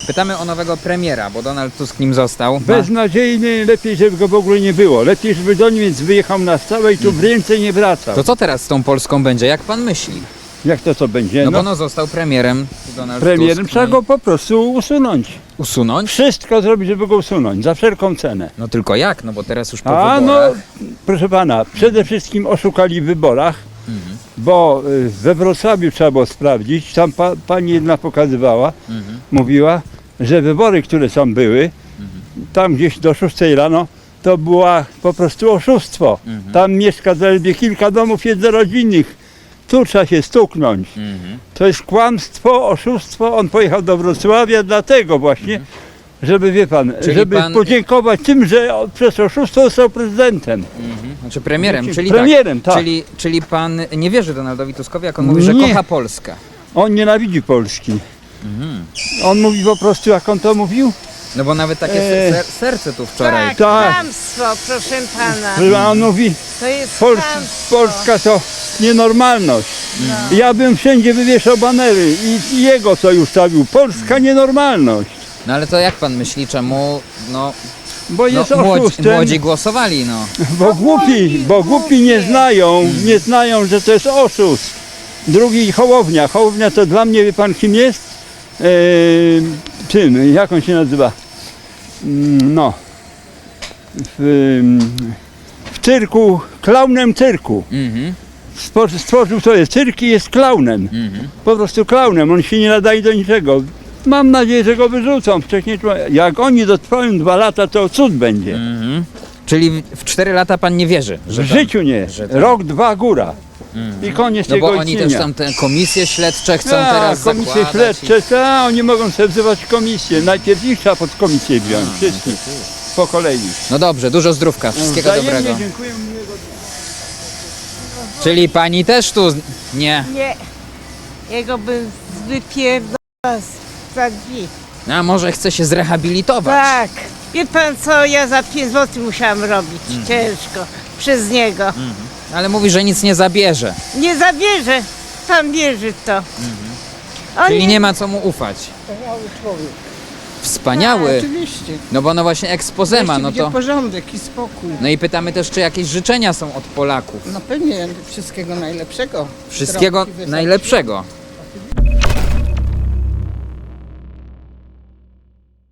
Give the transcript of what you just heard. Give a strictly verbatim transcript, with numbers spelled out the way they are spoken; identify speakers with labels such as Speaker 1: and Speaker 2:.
Speaker 1: Pytamy o nowego premiera, bo Donald Tusk nim został. Ma...
Speaker 2: Beznadziejny, lepiej, żeby go w ogóle nie było. Lepiej, żeby do Niemiec wyjechał na stałe i tu więcej nie wracał.
Speaker 1: To co teraz z tą Polską będzie? Jak pan myśli?
Speaker 2: Jak to co będzie?
Speaker 1: No,
Speaker 2: No,
Speaker 1: bo no został premierem Donald
Speaker 2: premierem
Speaker 1: Tusk.
Speaker 2: trzeba
Speaker 1: no i
Speaker 2: go po prostu usunąć.
Speaker 1: usunąć?
Speaker 2: Wszystko zrobić, żeby go usunąć, za wszelką cenę.
Speaker 1: No tylko jak? No bo teraz już po
Speaker 2: A no,
Speaker 1: wyborach.
Speaker 2: proszę pana, przede wszystkim oszukali w wyborach,
Speaker 1: Mhm.
Speaker 2: bo y, we Wrocławiu trzeba było sprawdzić, tam pa, pani jedna pokazywała,
Speaker 1: Mhm.
Speaker 2: mówiła, że wybory, które tam były, tam gdzieś do szóstej rano, to była po prostu oszustwo.
Speaker 1: Mhm.
Speaker 2: Tam mieszka zaledwie kilka domów jednorodzinnych. Tu trzeba się stuknąć.
Speaker 1: Mhm.
Speaker 2: To jest kłamstwo, oszustwo. On pojechał do Wrocławia dlatego właśnie, żeby, wie pan,
Speaker 1: Czyli
Speaker 2: żeby
Speaker 1: pan-
Speaker 2: podziękować tym, że on przez oszustwo został prezydentem.
Speaker 1: Mhm. Znaczy premierem,
Speaker 2: Znaczy,
Speaker 1: czyli
Speaker 2: premierem,
Speaker 1: tak.
Speaker 2: tak.
Speaker 1: Czyli, czyli pan nie wierzy Donaldowi Tuskowi, jak on mówi, że
Speaker 2: Nie.
Speaker 1: kocha Polskę.
Speaker 2: On nienawidzi Polski.
Speaker 1: Mhm.
Speaker 2: On mówi po prostu, jak on to mówił,
Speaker 1: No bo nawet takie
Speaker 2: Eee.
Speaker 1: ser serce tu wczoraj.
Speaker 3: Tak,
Speaker 2: Tak.
Speaker 3: kłamstwo, proszę pana.
Speaker 2: że on mówi,
Speaker 3: To jest
Speaker 2: Pols
Speaker 3: kłamstwo.
Speaker 2: Polska to nienormalność. Ja bym wszędzie wywieszał banery i, i jego co już stawił. Polska nienormalność.
Speaker 1: No ale to jak pan myśli, czemu no,
Speaker 2: Bo
Speaker 1: no
Speaker 2: jest
Speaker 1: młodzi,
Speaker 2: oszustem,
Speaker 1: młodzi głosowali, no.
Speaker 2: bo głupi, bo głupi nie znają, nie znają, że to jest oszust. Drugi Hołownia. Hołownia to dla mnie, wie pan kim jest? Eee, czym? Jak on się nazywa? Mm, No. W, w cyrku, klaunem cyrku.
Speaker 1: Mhm.
Speaker 2: Stwor- Stworzył sobie cyrk i jest klaunem.
Speaker 1: Mhm.
Speaker 2: Po prostu klaunem, on się nie nadaje do niczego. Mam nadzieję, że go wyrzucą wcześniej. czy- Jak oni dotrwają dwa lata, to cud będzie.
Speaker 1: Mhm. Czyli w- w cztery lata pan nie wierzy, że
Speaker 2: W
Speaker 1: tam-
Speaker 2: życiu nie.
Speaker 1: że tam-
Speaker 2: Rok, dwa, góra. I koniec
Speaker 1: No
Speaker 2: tego
Speaker 1: bo oni
Speaker 2: istnienia.
Speaker 1: też tam te komisje śledcze chcą
Speaker 2: Tak,
Speaker 1: teraz
Speaker 2: komisje
Speaker 1: zakładać.
Speaker 2: śledcze, tak, oni mogą sobie wzywać komisję. Najpierw ich trzeba pod komisję wziąć, wszystkich, po kolei.
Speaker 1: I... No dobrze, dużo zdrówka, wszystkiego
Speaker 2: Wzajemnie
Speaker 1: dobrego.
Speaker 2: dziękuję, miłego dnia.
Speaker 1: Czyli pani też tu... z- Nie.
Speaker 3: Nie, jego bym wypierdolała za drzwi.
Speaker 1: A może chce się zrehabilitować?
Speaker 3: Tak. Wie pan co, ja za pięć złotych musiałam robić, ciężko, przez niego.
Speaker 1: Ale mówi, że nic nie zabierze.
Speaker 3: Nie zabierze, pan wierzy w to. On
Speaker 1: Czyli nie ma co mu ufać. Wspaniały.
Speaker 4: Oczywiście.
Speaker 1: No bo no właśnie expose ma, no
Speaker 4: będzie
Speaker 1: to...
Speaker 4: porządek i spokój.
Speaker 1: No i pytamy też, czy jakieś życzenia są od Polaków.
Speaker 4: No pewnie wszystkiego najlepszego.
Speaker 1: Wszystkiego
Speaker 4: Zdrowki, wesołości.
Speaker 1: najlepszego.